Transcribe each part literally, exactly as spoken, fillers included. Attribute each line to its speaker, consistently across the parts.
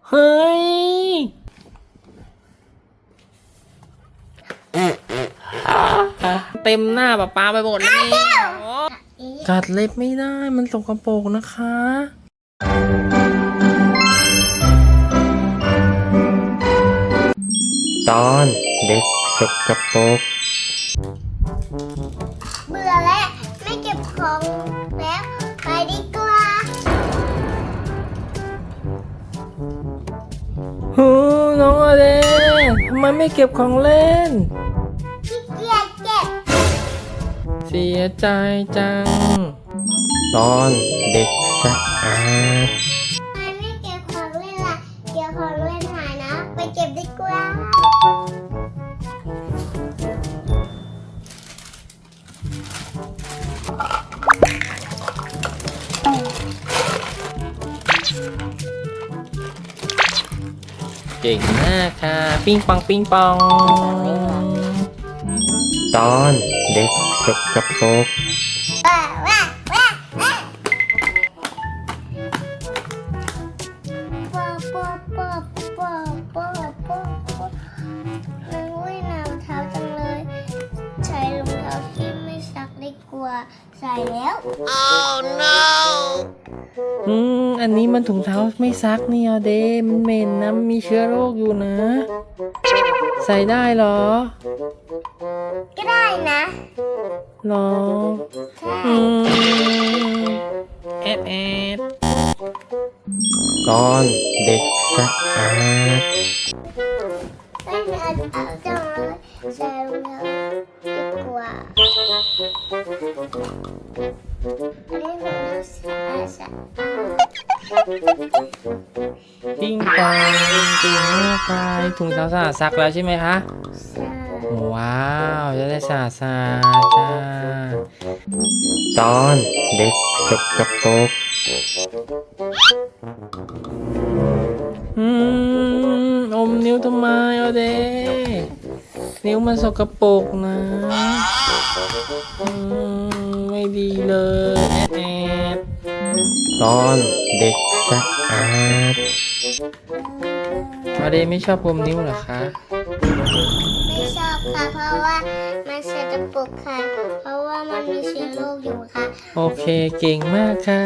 Speaker 1: เฮ้ยเต็มหน้าป๊าป๊าไปหมดเลยกัดเล็บไม่ได้มันสกปรกนะคะ
Speaker 2: ตอนเด็กสกปรก
Speaker 3: เบื่อแล้วไม่เก็บของแล้วไปดีกว่า
Speaker 1: ฮูน้องอเดนทำไมไม่เก็บของเล่น
Speaker 3: ขี้เกียจเก็บ
Speaker 1: เสียใจจัง
Speaker 2: ตอนเด็กสะอาด
Speaker 3: ทำไมไม่เก็บของเล่นล่ะเดี๋ยวของเล่นหายนะไปเก็บดีกว่า
Speaker 1: เก่งมากค่ะปิ้งปองปิ้งปอง
Speaker 2: ตอนเด็กสกปรก
Speaker 3: ว้าว้าว้าว้าปอปอปอปอปอปอปอมันว่ายน้ำเท้าจังเลยใช้รองเท้าที่ไม่ซักดีกว่าใส่แล้ว oh no
Speaker 1: อืมอันนี้มันถุงเท้าไม่ซักนี่อเดมันเหม็นนะมีเชื้อโรคอยู่นะ ใส่ได้เหรอ
Speaker 3: ก็ได้นะ
Speaker 1: หรออืมแอดแอด
Speaker 2: ตอนเด็กสะอาด
Speaker 3: ไม่เอาเอาจังเลยใส่รองเท้าดีกว่าอันนี้รองเท้าสะอาดสะอาด
Speaker 1: ปิ้งปองปิ้งมากไปถุงเท้าสะอาดซักแล้วใช่ไหมคะว้าวจะได้สะอาดสะอาดจ้า
Speaker 2: ตอนเด็กสกปรก
Speaker 1: อืมอมนิ้วทำไมอเดนิ้วมันสกปรกนะอืมไม่ดีเลยแอด
Speaker 2: ตอนเด็กสะอาด
Speaker 1: อเดไม่ชอบอมนิ้วเหรอคะ
Speaker 3: ไม่ชอบค่ะเพราะว่ามันสกปรกค่ะเพราะว่ามันมีเชื้อโรคอยู่ค่ะ
Speaker 1: โอเคเก่งมากค่ะ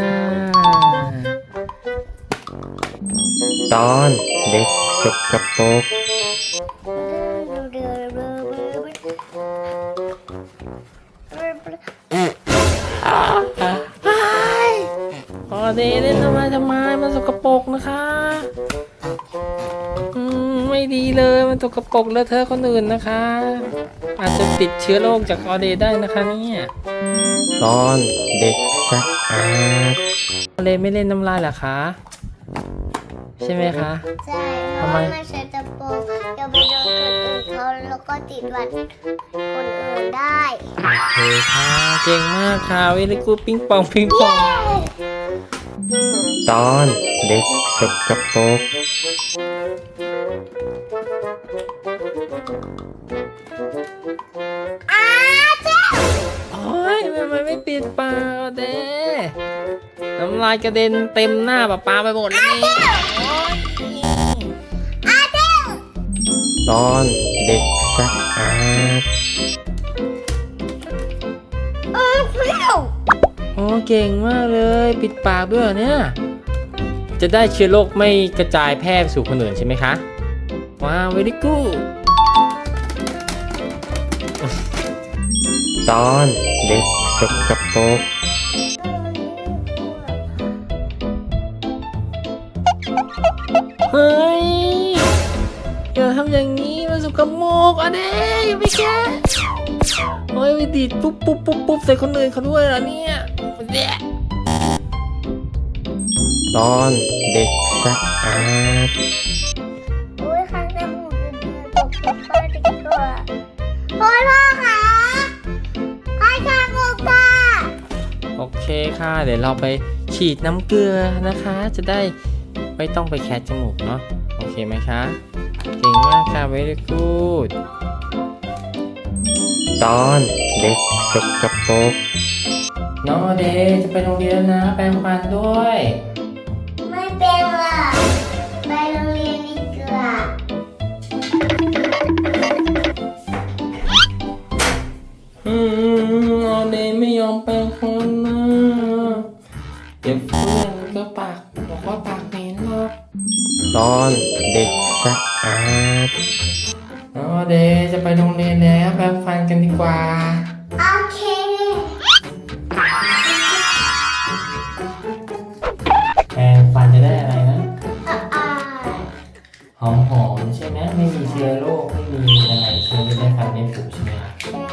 Speaker 2: ตอนเด็กสกปรก
Speaker 1: อเดเล่นทำไมทำไมมันสกปรกนะคะอืมไม่ดีเลยมันสกปรกแล้วเธอคนอื่นนะคะอาจจะติดเชื้อโรคจากออเดได้นะคะเนี่ย
Speaker 2: ตอนเด็กสะอาด
Speaker 1: ออเดไม่เล่นน้ำลายเหรอคะใช่ไหมคะ
Speaker 3: ใช่เพราะว่ามันสกปรกเดี๋ยวไปโดนคนอื่นเขาแล้วก็ติดหวัดคนอื่นได้
Speaker 1: โอเคค่ะเก่งมากค่ะเวลิกูปิ้งปองปิ้งปอง
Speaker 2: ตอนเด็กสกปรก
Speaker 3: อ้าเจ้า
Speaker 1: โอ้ยทำไมไม่ปิดปากเด้น้ำลายกระเด็นเต็มหน้าป๊าป๊าไปหมดเลยนี่
Speaker 3: อ้าเจ้า
Speaker 2: ตอนเด็กสะอาด
Speaker 3: เออเปรี้ยว
Speaker 1: โอ้เก่งมากเลยปิดปากด้วยเนี่ยจะได้เชื้อโรคไม่กระจายแพร่ไปสู่คนอื่นใช่ไหมคะว้าวเวลิกู
Speaker 2: ตอนเด็กสกปรก
Speaker 1: เฮ้ยอย่าทำอย่างนี้มันสกปรกอ่ะเด้อย่าไปแก้เฮ้ยไปดีดปุ๊บปุ๊บปุ๊บปุ๊บใส่คนอื่นเขาด้วยเหรอเนี่ยเด็ก
Speaker 2: ตอนเด็กสะอาด
Speaker 3: โอ้ยข้างจมูกเป็นตกตกไปดีกว่าพ่อพ่อค่ะข้างจมูกค่ะ
Speaker 1: โอเคค่ะเดี๋ยวเราไปฉีดน้ำเกลือนะคะจะได้ไม่ต้องไปแคะจมูกเนาะโอเคไหมคะเก่งมากค่ะ very good
Speaker 2: ตอนเด็กสกปรก
Speaker 1: น้องอเดย์จะไปโรงเรียนนะแปรงฟันด้วย
Speaker 3: ไม่เป็นหรอกไปโรงเรียนอะ
Speaker 1: อืมออเดย์ไม่ยอมแปรงฟันนะเดี๋ยวเพื่อนก็ปากบอกว่าปากเหม็นหรอก
Speaker 2: ตอนเด็กสะอาด
Speaker 1: ออเดย์จะไปโรงเรียนแล้วแปรงฟันกันดีกว่า
Speaker 3: โอเค
Speaker 1: แปรงฟันจะได้อะไรนะ
Speaker 3: อ่ะอ่ะ
Speaker 1: หอมหอมๆใช่ไหมไม่มีเชื้อโรคไม่มีอะไรเชื้อจะได้ฟันไม่ผุใช่ไหมครับ
Speaker 3: ได้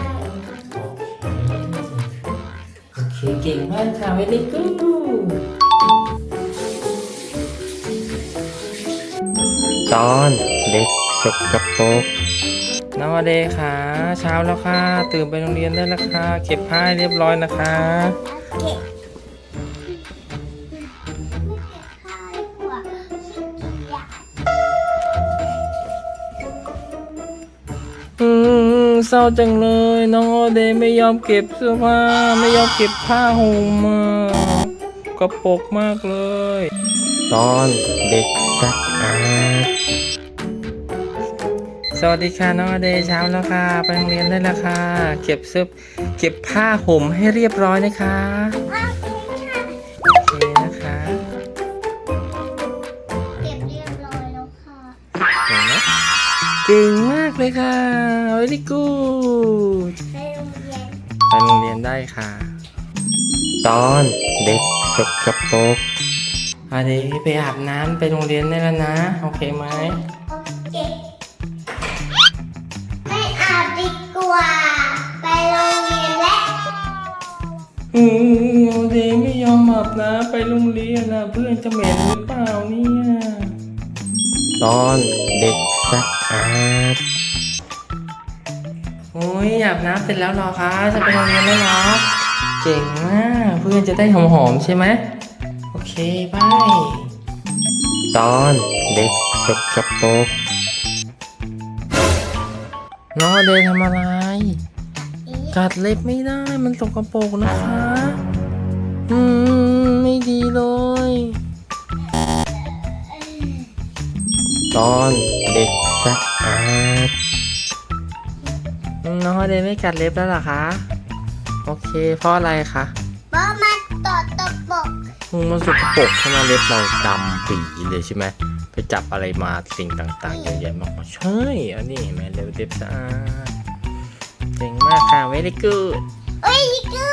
Speaker 1: โอเคเก่งมากค่ะเวลี่กูด
Speaker 2: ตอนเด็กสกปรก
Speaker 1: นวเดย์ค่ะเช้าแล้วค่ะตื่นไปโรงเรียนได้แล้วค่ะเก็บผ้าให้เรียบร้อยนะคะ
Speaker 3: โอเคไม่เก็บผ้าดีกว่าขี้เกียจ
Speaker 1: อืมเศร้าจังเลยน้องออเดย์ไม่ยอมเก็บเสื้อผ้าไม่ยอมเก็บผ้าห่มมากระปรกมากเลย
Speaker 2: ตอนเด็กสะอาด
Speaker 1: สวัสดีค่ะน้องอเดย์เช้าแล้วค่ะไปโรงเรียนได้แล้วค่ะเก็บเสื้อเก็บผ้าห่มให้เรียบร้อยนะคะ
Speaker 3: โอเคค่ะ
Speaker 1: โอเคนะคะ
Speaker 3: เก็บเรียบร้อยแล้วค่ะ
Speaker 1: เห็นไหมเก่งมากเลยค่ะ very good
Speaker 3: ไปโรงเรียน
Speaker 1: ไปโรงเรียนได้ค่ะ
Speaker 2: ตอนเด็กสกปรก
Speaker 1: อเดย์ไปอาบน้ำไปโรงเรียนได้แล้วนะโอเคไหม
Speaker 3: โอเคไม่อาบดีกว่า ไปโรงเรียนแล้ว
Speaker 1: อืมอเดย์ไม่ยอมอาบน้ำไปโรงเรียนนะเพื่อนจะเหม็นหรือเปล่าเนี่ย
Speaker 2: ตอนเด็กสะอาด
Speaker 1: โอ้ยอาบน้ำเสร็จแล้วเหรอคะจะไปโรงเรียนแล้วเหรอเก่งมากเพื่อนจะได้หอมๆใช่ไหมโอเคบาย
Speaker 2: ตอนเด็กสกปรก
Speaker 1: น้องอเดย์ทำอะไรกัดเล็บไม่ได้มันสกปรกนะคะอืมไม่ดีเลย
Speaker 2: ตอนเด็กสะอาด
Speaker 1: น้องอเดย์ไม่กัดเล็บแล้วเหรอคะโอเคเพราะอะไรคะ
Speaker 3: เพราะมันตอดตะปก
Speaker 1: อืมมันสกปรกทำไมเล็บเราดำปีเลยใช่ไหมไปจับอะไรมาสิ่งต่างๆเยอะแยะมากมายใช่อันนี้เห็นไหมเล็บเล็บสะอาดเก่งมากค่ะ very good
Speaker 3: เอ้ยนี่คือ